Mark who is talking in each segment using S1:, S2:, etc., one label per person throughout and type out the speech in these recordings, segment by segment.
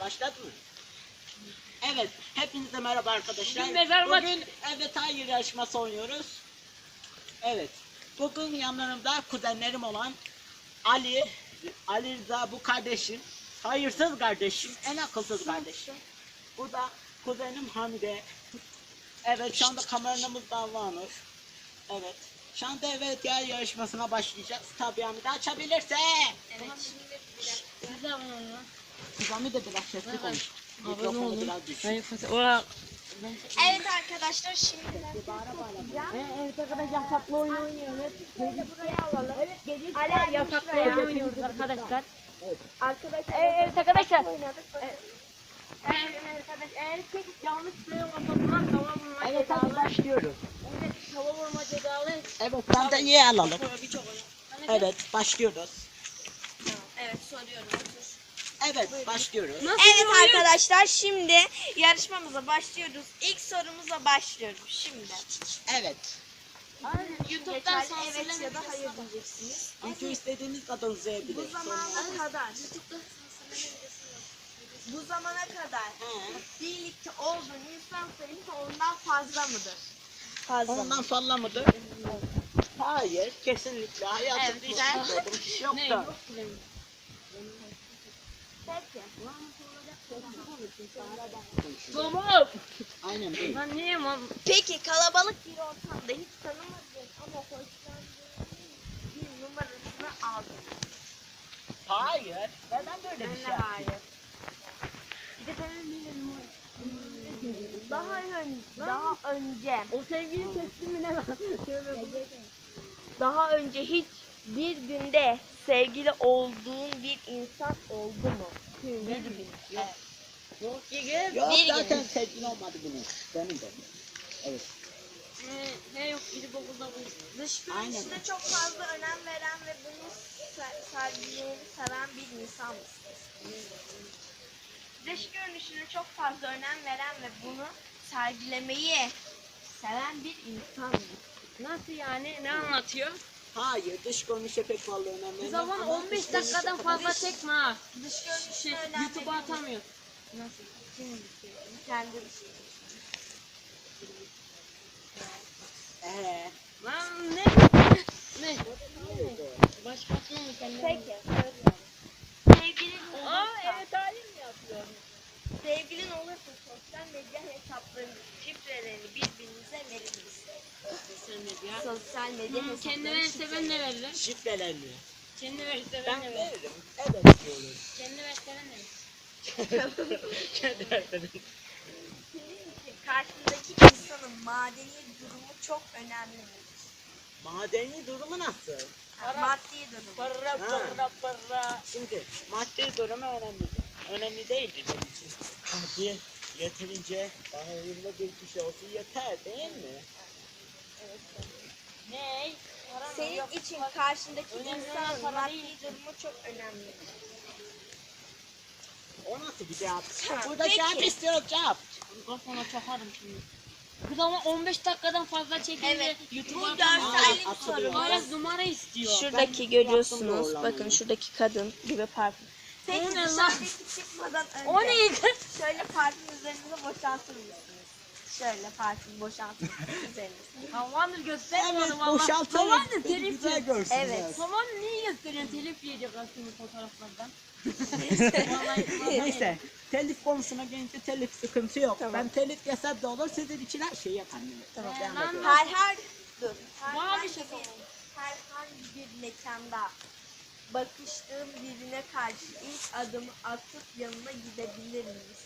S1: Başladı mı? Evet, hepinize merhaba arkadaşlar.
S2: Bugün
S1: evet hayır yarışması oynuyoruz. Evet, bugün yanlarımda kuzenlerim olan Ali Rıza bu kardeşim. Hayırsız kardeşim, en akılsız kardeşim. Bu da kuzenim Hamide. Evet, şu anda kameramız davranır. Evet. Şu anda evet yer yarışmasına başlayacağız. Tabii Hamide açabilirse.
S2: evet şimdi siz de abone olun.
S1: Hamide biraz sesli konuş.
S2: Abone
S1: Mikrofonu
S2: olun.
S1: biraz düşür.
S3: Evet arkadaşlar şimdi
S2: Evet arkadaşlar yasaklı oyun oynuyoruz.
S3: buraya alalım. Evet gece
S2: Hala yasaklı oyun oynuyoruz arkadaşlar.
S3: arkadaşlar
S2: Evet arkadaşlar.
S3: oynadık.
S2: Eğer tek yanlış söylüyorsan tava vurma
S1: Evet hadi
S2: cezalı.
S1: başlıyoruz.
S2: Evet tava vurma cezalı.
S1: Evet sandalyeyi alalım.
S2: Birçok oyun.
S1: Evet başlıyoruz.
S3: Evet soruyorum.
S1: Evet başlıyoruz.
S2: Nasıl
S3: Evet
S2: bir oyun?
S3: arkadaşlar şimdi yarışmamıza başlıyoruz. İlk sorumuza başlıyorum şimdi.
S1: Evet.
S2: YouTube'dan
S3: evet ya da hayır diyeceksiniz.
S1: Video istediğiniz kadar uzayabilir.
S3: Bu zamana kadar birlikte olduğun insan sayısı ondan fazla mıdır? Fazla.
S1: Ondan fazla mıdır? Hayır kesinlikle. Hayatımda
S3: Evet,
S1: hiç
S3: ben-
S1: yapmadım. Hiç yok
S2: Ne
S1: da.
S2: yok ki.
S3: Peki.
S2: Tamam.
S1: Aynen değil.
S2: Ben neyim lan?
S3: Peki kalabalık bir ortamda hiç tanımadığın ama hoşlandığın bir numarasını aldın.
S1: Hayır. Neden böyle bir şey yaptın?
S3: hayır. Daha önce
S2: O sevgili teslimine bak.
S3: daha önce hiç bir günde sevgili olduğun bir insan oldu mu? Bir gün. Evet.
S2: Yok gibi.
S1: Yok
S3: Bir
S1: zaten sevgili olmadı bunun. Benim de. Evet.
S2: Ne yok gidip okulda bu.
S3: Dış
S1: Aynen.
S3: görünüşüne çok fazla önem veren ve bunu sergilerini seven bir insan mısınız? Dış görünüşüne çok fazla önem veren ve bunu sergilemeyi seven bir insan mısınız?
S2: Nasıl yani? Ne anlatıyor?
S1: Hayır dış görünüşe pek fazla önem
S2: O
S1: vermem.
S2: zaman
S1: ama
S2: 15
S1: dış görünüşe
S2: dakikadan
S1: kadar-
S2: fazla çekme ha.
S3: Dış görünüşüne önem
S2: YouTube'a
S3: veriyor.
S2: atamıyor.
S3: Nasıl? Kendi dış
S2: Lan ne? Ne? Başkasına mı kendine?
S3: Peki. Sevgilin
S2: Aa
S3: olursa,
S2: evet halim mi yapıyor?
S3: sevgilin olursa sosyal medya hesaplarının şifrelerini birbirinize verir misiniz?
S2: Sosyal medya.
S3: Sosyal medya hesaplarının
S2: Kendi verirse ben ne veririm?
S1: Şifrelerini.
S2: Kendi verirse
S1: Ben
S2: ben ne veririm?
S1: veririm. Evet diyorum.
S2: Kendi verirse ben ne veririm?
S1: Kendi veririm.
S3: Senin için karşındaki insanın madeni durumu çok önemli midir?
S1: Madeni durumu nasıl?
S3: Maddi durumu.
S2: Para.
S1: Şimdi maddi durumu önemli. Önemli değildir benim için. Hadi yeterince bana uyumlu bir kişi olsun yeter değil mi?
S2: Ne? Para mı?
S3: Senin
S2: Yok.
S3: için karşındaki
S2: Önemli olan
S3: insanın
S2: para
S3: maddi
S2: değil.
S3: durumu çok önemli.
S1: O nasıl bir cevap?
S3: Ha,
S1: Burada
S3: peki.
S1: cevap istiyoruz cevap.
S2: Kafana çakarım şimdi. Kız ama 15 dakikadan fazla çekince
S3: Evet,
S2: YouTube'a
S3: bu
S2: atamıyor.
S3: görsellik
S1: atılıyor.
S3: soru.
S2: Hala numara istiyor.
S3: Şuradaki
S1: Ben
S3: görüyorsunuz.
S1: yaptım doğrulamayı.
S3: Bakın şuradaki kadın gibi parfüm. Peki
S2: O ne lan?
S3: dışarıdaki çıkmadan önce
S2: O ne?
S3: şöyle parfüm üzerinize boşaltır mısınız? Şöyle parfüm boşaltır mısınız üzerinize?
S2: Havandır göstermiyorum
S1: Evet
S2: valla.
S1: boşaltalım.
S2: Havandır
S1: Beni
S2: telif
S1: güzel
S2: yiyor.
S1: görsünler.
S3: Evet.
S2: Havan niye gösteriyorsun? Telif yiyecek aslında fotoğraflardan. Vallahi
S1: Neyse telif konusuna gelince telif sıkıntı yok.
S3: Tamam.
S1: Ben telif yesem de olur sizin için her şeyi yaparım.
S3: Tamam.
S1: Devam
S2: Lan
S1: edelim.
S2: Bana bir şey
S3: Herhangi bir mekanda bakıştığım birine karşı ilk adımı atıp yanına gidebilir miyiz?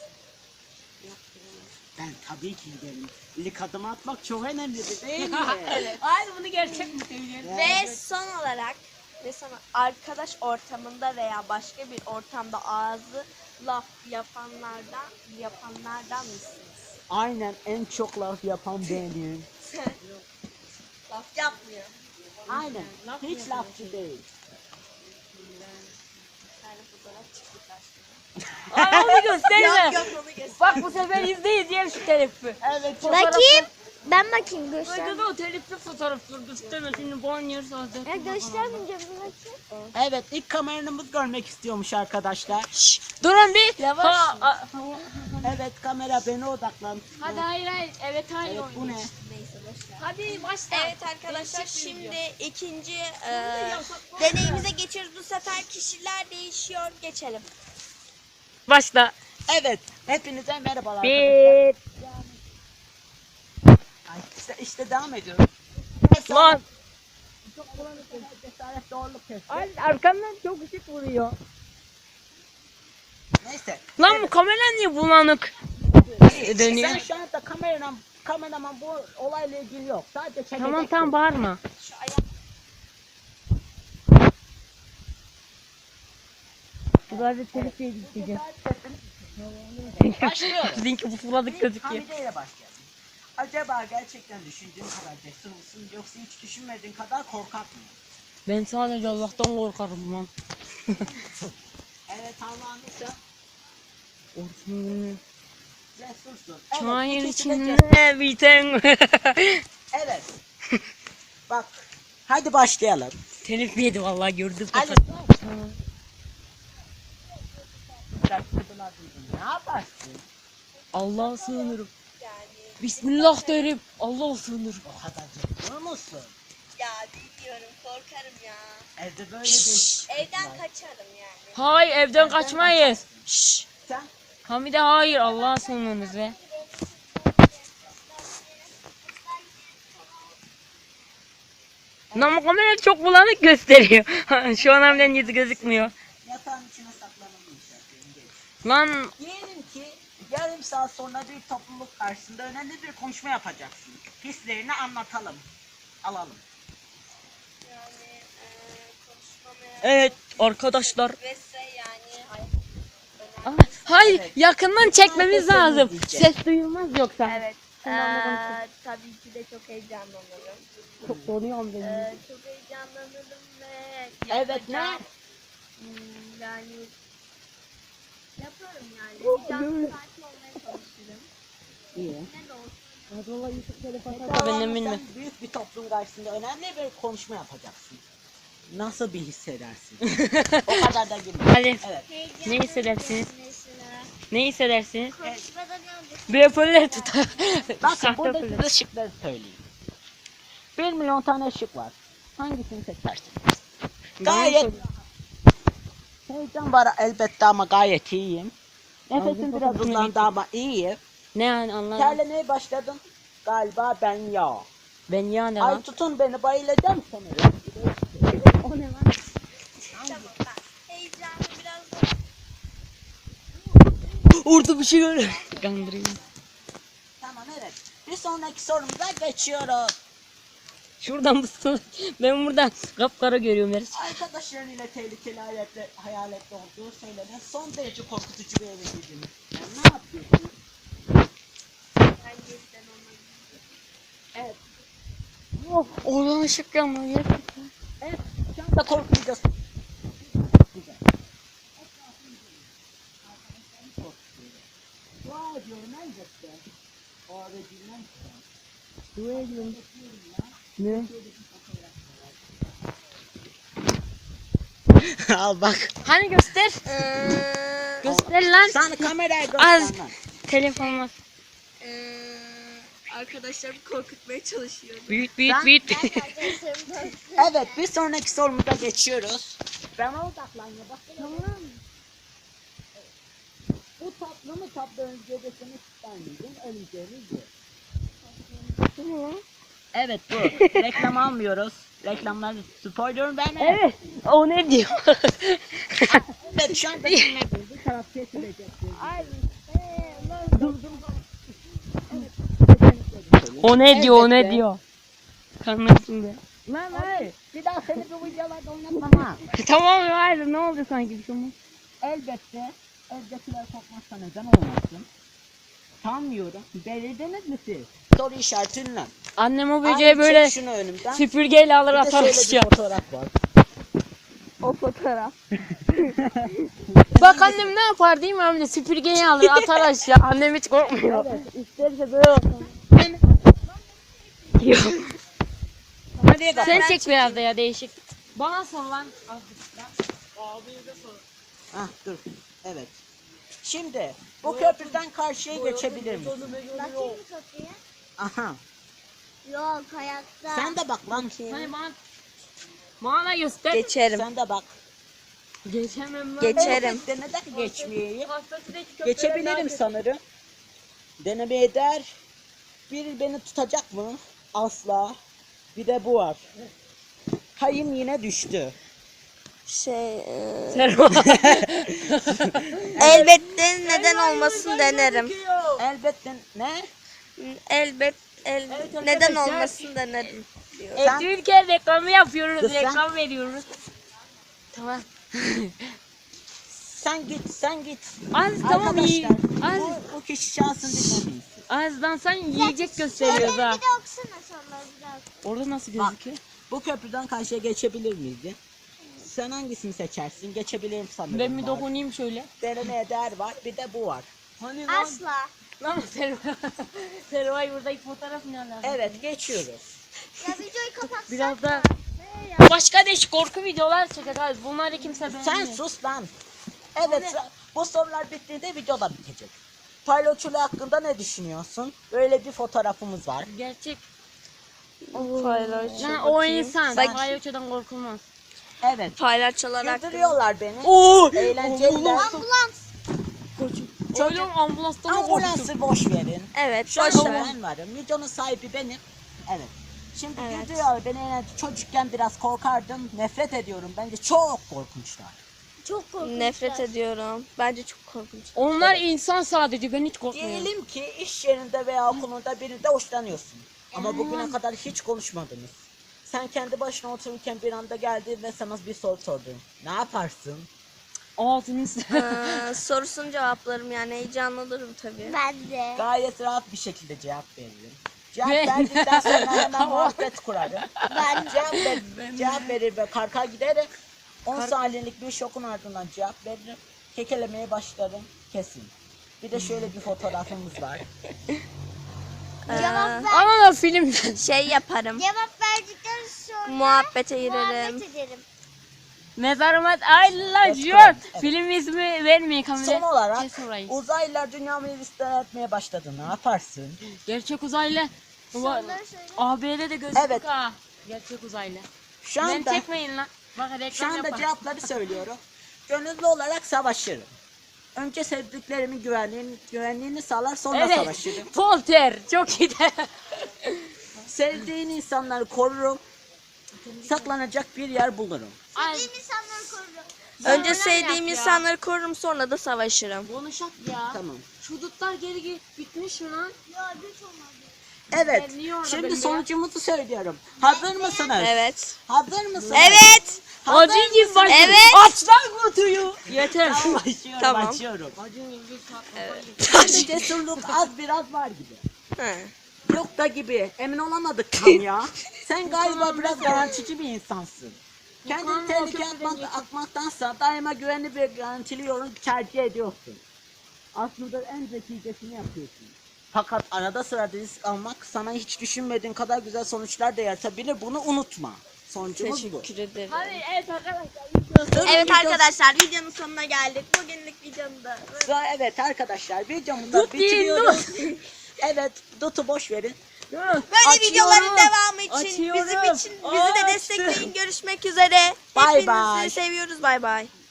S1: Ben tabii ki giderim. İlk adımı atmak çok önemlidir değil mi?
S3: Evet.
S2: Hayır bunu gerçek mi söylüyorsun?
S3: Ve son olarak arkadaş ortamında veya başka bir ortamda ağzı laf yapanlardan mısınız?
S1: Aynen en çok laf yapan benim.
S3: Laf yapmıyor.
S1: Aynen.
S2: Laf
S1: Hiç
S2: yapıyor.
S1: lafçı değil.
S3: Bir tane fotoğraf çıktı karşıma.
S2: Aa onu gösterme.
S3: Yok onu göster.
S2: Bak bu sefer izle izleyelim şu telifi.
S1: Evet.
S3: Bakayım. Ben bakayım göster.
S2: Hadi da o telifli fotoğrafları gösterme şimdi banyoyoruz zaten.
S3: Ya göstermeyeceğim bunu bakayım.
S1: Evet, ilk kameramız görmek istiyormuş arkadaşlar.
S2: Durun bir.
S3: Yavaş.
S1: Evet, kamera beni odaklan.
S2: Hadi hayır. Evet hayır.
S1: Evet, bu ne?
S3: Neyse boşver.
S2: Hadi başla.
S3: Evet arkadaşlar şimdi ikinci deneyimize geçiyoruz. Bu sefer kişiler değişiyor. Geçelim.
S2: Başla.
S1: Evet, hepinize merhabalar arkadaşlar.
S2: Bir.
S1: Ay, işte devam ediyoruz.
S2: Lan.
S1: Çok bulanık, cesaret doğruluk testi.
S2: Ay arkamdan çok ışık vuruyor.
S1: Neyse.
S2: Lan bu kamera niye bulanık? Dönüyor.
S1: Sen şu anda kameraman bu olayla ilgili yok. Sadece çekeceksin.
S2: Tamam bağırma.
S3: Şu ayak
S2: Bu da telif yiyeceğim.
S1: Başlıyoruz.
S2: Linki bu fırladık gözüküyor.
S1: Hamide ile başlayalım. Acaba gerçekten düşündüğün kadar cesur musun yoksa hiç düşünmediğin kadar korkak mı?
S2: Ben sadece Allah'tan korkarım lan.
S1: Evet Allah'ım ise
S2: Orsun.
S1: cesursun.
S2: Çayın
S1: ikisi de cesur.
S2: içinde biten.
S1: Evet. Bak. Hadi başlayalım.
S2: Telif yedi vallahi gördüm.
S1: Ali. Ne yaparsın?
S2: Allah'a sığınırım.
S3: yani.
S2: Bismillah derim. Allah'a sığınırım.
S1: O kadar cesur musun?
S3: Ya bilmiyorum korkarım ya.
S1: Evde böyle bir...
S3: Evden kaçarım yani.
S2: Hayır evden kaçmayız. Şşş.
S1: Sen?
S2: Hamide hayır Allah'a sığınırız be. Ama kamera çok bulanık gösteriyor. Şu an Hamide'nin yüzü gözükmüyor.
S1: Yatağın içine saklanılmış.
S2: Lan
S1: Diyelim ki yarım saat sonra bir topluluk karşısında önemli bir konuşma yapacaksın. Hislerini anlatalım. Alalım.
S3: Yani konuşmamaya
S2: evet arkadaşlar.
S3: vesse yani
S2: Aa, hayır
S1: Evet.
S2: yakından çekmemiz
S1: Herkes
S2: lazım.
S1: seni izleyecek.
S2: Ses duyulmaz yoksa.
S3: Evet.
S2: Tamam, bakalım.
S3: Tabii ki de çok heyecanlanırım.
S2: Çok donuyorum benim.
S3: Çok heyecanlanırım ve
S1: Evet, ne?
S3: yapacağım. Yani yaparım yani. Heyecanlı sakin olmaya çalışırım.
S1: İyi.
S3: Ne de olsun.
S2: Ben de bilmem.
S1: Sen büyük bir toplum karşısında önemli bir konuşma yapacaksın. Nasıl bir hissedersin? O kadar da girme.
S2: Ali
S1: Evet.
S2: ne hissedersiniz?
S3: Mesela
S2: Ne hissedersiniz?
S3: konuşmada ne olacak?
S2: Bir hoparlör tutar.
S1: Bakın
S2: Sahte
S1: burada
S2: hoparlör.
S1: size şıkları söyleyeyim. 1 milyon tane şık var. Hangisini seçersin? Gayet heyecan var elbette ama gayet iyiyim. Nefesim biraz uzandı ama iyiyim.
S2: Ne yani anlamadım.
S1: Terlemeye başladım. Galiba ben ya.
S2: Ben ya ne
S1: Ay
S2: lan?
S1: tutun beni bayılacağım sanırım.
S2: O ne lan?
S3: Tamam ben heyecanlı biraz da
S2: Orada bir şey görüyorum. Kandırayım.
S1: Tamam evet. Bir sonraki sorumuza geçiyoruz.
S2: Şuradan mısın? Ben buradan kapkara görüyorum her şey.
S1: Arkadaşlarıyla tehlikeli hayaletli olduğu söylenen son derece korkutucu bir eve girdiniz. Yani ne yapıyorsunuz?
S3: gerçekten olmadı.
S1: Evet.
S2: Oh, oradan ışık yanmıyor gerçekten.
S1: Evet. Şu anda korkmayacağız. Güzel. Etrafını korkutuyor. Dua ediyorum elbette. O eve girmem ki.
S2: Dua ediyorum. Ne?
S1: Al bak.
S2: Hani göster. Göster lan.
S1: Sen kamerayı
S2: Az.
S1: göster lan.
S2: Telefon var.
S3: Arkadaşlarımı korkutmaya çalışıyorum.
S2: Büyük büyük
S1: Ben-
S2: büyük.
S1: Evet bir sonraki sorumuza geçiyoruz. Ben odaklanıyor bak. Tamam. Bu tatlı mı tatlı öncedesini tutanmayacaksın öleceğiniz bu. Evet bu. Reklam almıyoruz. Reklamları spoiler verme.
S2: Evet. O ne diyor?
S1: Evet şu anda dinlediğiniz bir taraf kesilecek.
S2: O ne diyor? O ne
S1: Elbette.
S2: diyor? Kanırsın be.
S1: Lan hayır. Bir daha seni bu videolarda oynatmam ha.
S2: Tamam ya hayır ne oldu sanki bir şey olmaz.
S1: Elbette evdekiler korkmazsa neden olmasın? Sanmıyorum. Belirdiniz mi siz? Soru işareti ünlem.
S2: Annem o
S1: Ay,
S2: böceği
S1: çek
S2: böyle
S1: şunu önümden.
S2: süpürgeyle alır
S1: Bir de
S2: atar
S1: şöyle bir
S2: aşağı.
S1: fotoğraf var.
S3: O fotoğraf.
S2: Bak annem ne yapar değil mi amca? Süpürgeyi alır atar aşağı. Annem hiç korkmuyor.
S1: Evet.
S2: İsterse böyle olsun. diyor.
S1: Hadi
S2: Sen çek biraz da ya değişik. Bana sor lan.
S1: Ah dur. Evet. Şimdi bu köprüden karşıya geçebilir misin?
S3: Bakayım mı kapıya?
S1: Aha.
S3: Yok hayatta.
S1: Sen de bak lan.
S2: Hani bana göster.
S4: Geçerim.
S1: Sen de bak.
S2: Geçemem lan.
S4: Geçerim.
S1: Evet, neden geçmeyeyim?
S2: Hastasındaki köprüden
S1: Geçebilirim
S2: daha-
S1: sanırım. Deneme eder. Biri beni tutacak mı? Asla. Bir de bu var. Kayım yine düştü.
S2: Serva.
S4: Elbette neden olmasın denerim.
S1: Elbette ne?
S4: Neden
S2: arkadaşlar.
S4: olmasın denerim.
S1: Sen-
S2: Türkiye reklamı yapıyoruz.
S1: Kız sen-
S2: Reklam veriyoruz. Tamam.
S1: Sen git.
S2: Az tamam iyi.
S1: Arkadaşlar
S2: Az,
S1: bu kişi şansını dinlemeyiz.
S2: azdan sen yiyecek gösteriyoruz ha.
S3: Bir de okusana soruları biraz.
S2: Orada nasıl
S1: Bak.
S2: gözüküyor?
S1: Bu köprüden karşıya geçebilir miydi? Sen hangisini seçersin? Geçebilirim sanırım.
S2: Ben bir
S1: var.
S2: dokunayım şöyle.
S1: Deneme eder var. Bir de bu var.
S2: Hani
S3: Asla.
S2: Lan Serva. Serva'yı buradaki fotoğraf ne alaka?
S1: Evet geçiyoruz.
S3: Ya videoyu kapatsak
S2: Biraz da
S3: ne ya?
S2: başka değişik korku videolar çekeceğiz. Bunları kimse beğenmiyor.
S1: Sen sus lan. Evet bu sorular bittiğinde video da bitecek. Palyaçolu hakkında ne düşünüyorsun? Böyle bir fotoğrafımız var.
S2: Gerçek.
S4: Paylaş.
S2: Yani o insan.
S4: Bak-
S2: Palyaçodan korkulmaz.
S1: Evet.
S4: Paylaşçılar hakkında.
S1: Güldürüyorlar beni.
S2: Oo!
S1: Eğlenceliler.
S3: Ambulans.
S2: Oğlum ambulanstan mı korktun?
S1: Ambulansı boş verin.
S4: Evet,
S1: Şu an
S4: boş ver.
S1: ben varım. Videonun sahibi benim. Evet. Şimdi
S4: Evet.
S1: güldürüyorlar beni. Yani çocukken biraz korkardım. Nefret ediyorum. Bence çok korkunçlar.
S3: Çok korkunç.
S4: Nefret ediyorum. Bence çok korkunç.
S2: Onlar insan sadece. Ben hiç korkmuyorum.
S1: Diyelim ki iş yerinde veya okulunda birinde hoşlanıyorsun. Ama bugüne kadar hiç konuşmadınız. Sen kendi başına otururken bir anda geldi ve sana bir soru sordu. Ne yaparsın?
S2: Ağzını
S4: Sorusun cevaplarım yani heyecanlanırım tabii.
S3: Ben de.
S1: Gayet rahat bir şekilde cevap veririm. Cevap
S2: Ben-
S1: verdikten sonra hemen muhabbet kurarım.
S3: Ben
S1: Cevap verir ve karka giderek 10 saniyelik bir şokun ardından cevap veririm. Kekelemeye başlarım kesin. Bir de şöyle bir fotoğrafımız var.
S3: cevap ver.
S2: Ama da film.
S4: Şey yaparım.
S3: Cevap verdikten sonra
S4: Muhabbete girerim.
S3: muhabbet ederim.
S2: Mezarımat Ayla
S1: Evet,
S2: Jot.
S1: evet.
S2: Film ismi vermeyin kamera.
S1: Son olarak
S2: Kes orayı.
S1: uzaylılar dünyamızı istila etmeye başladı. Ne yaparsın?
S2: Gerçek uzaylı.
S3: Soruları söyle.
S2: AB'de de gözlük
S1: Evet.
S2: ha. Gerçek uzaylı.
S1: Şu
S2: Ben
S1: anda,
S2: çekmeyin lan. Bak
S1: şu
S2: reklam
S1: anda
S2: yapar.
S1: cevapları söylüyorum. Gönüllü olarak savaşırım. Önce sevdiklerimin güvenliğini sağlar sonra
S2: Evet.
S1: savaşırım.
S2: Polter. Çok iyi de.
S1: Sevdiğin insanları korurum. Saklanacak bir yer bulurum.
S2: Ay,
S3: Sevdiğim insanları korurum.
S4: Önce
S2: Sonra ne
S4: sevdiğim
S2: yap ya?
S4: insanları korurum sonra da savaşırım.
S2: konuşak ya.
S1: Tamam.
S2: Şu dutlar geri bitmiş mi lan?
S3: Ya hiç olmadı.
S1: Evet.
S2: Ben niye orada
S1: Şimdi
S2: belli ya?
S1: sonucumuzu söylüyorum. Hazır mısınız?
S4: Evet.
S1: Hazır mısınız?
S4: Evet.
S1: Hazır
S2: Acı gibi
S1: mısınız?
S2: bak.
S4: Evet.
S2: Aç lan kutuyu. Yeter.
S1: Tamam, açıyorum,
S4: Tamam.
S1: açıyorum.
S2: Acı gibi
S1: Şimdi cesurluk az biraz var gibi.
S4: He.
S1: Yok da gibi. Emin olamadık tam ya. Sen galiba biraz garantici bir insansın. Kendini
S2: Yukarı
S1: tehlikeye
S2: bakıyorum,
S1: atmaktansa daima güvenli bir garantili yolu tercih ediyorsun. Aslında en zekicesini yapıyorsun. Fakat arada sırada risk almak sana hiç düşünmediğin kadar güzel sonuçlar da yaratabilir. Bunu unutma. Sonucumuz bu.
S4: Teşekkür ederim.
S2: Hadi evet arkadaşlar.
S4: Evet arkadaşlar videonun sonuna geldik. Bugünlük videomda.
S1: Evet arkadaşlar videomuzu da
S2: Tut değil,
S1: bitiriyoruz. Evet Dut'u boş verin.
S4: Böyle
S2: Açıyorum.
S4: videoların devamı için
S2: Açıyorum.
S4: bizi de destekleyin. Görüşmek üzere.
S1: Bye
S4: Hepinizi
S1: bye.
S4: seviyoruz. Bay bay.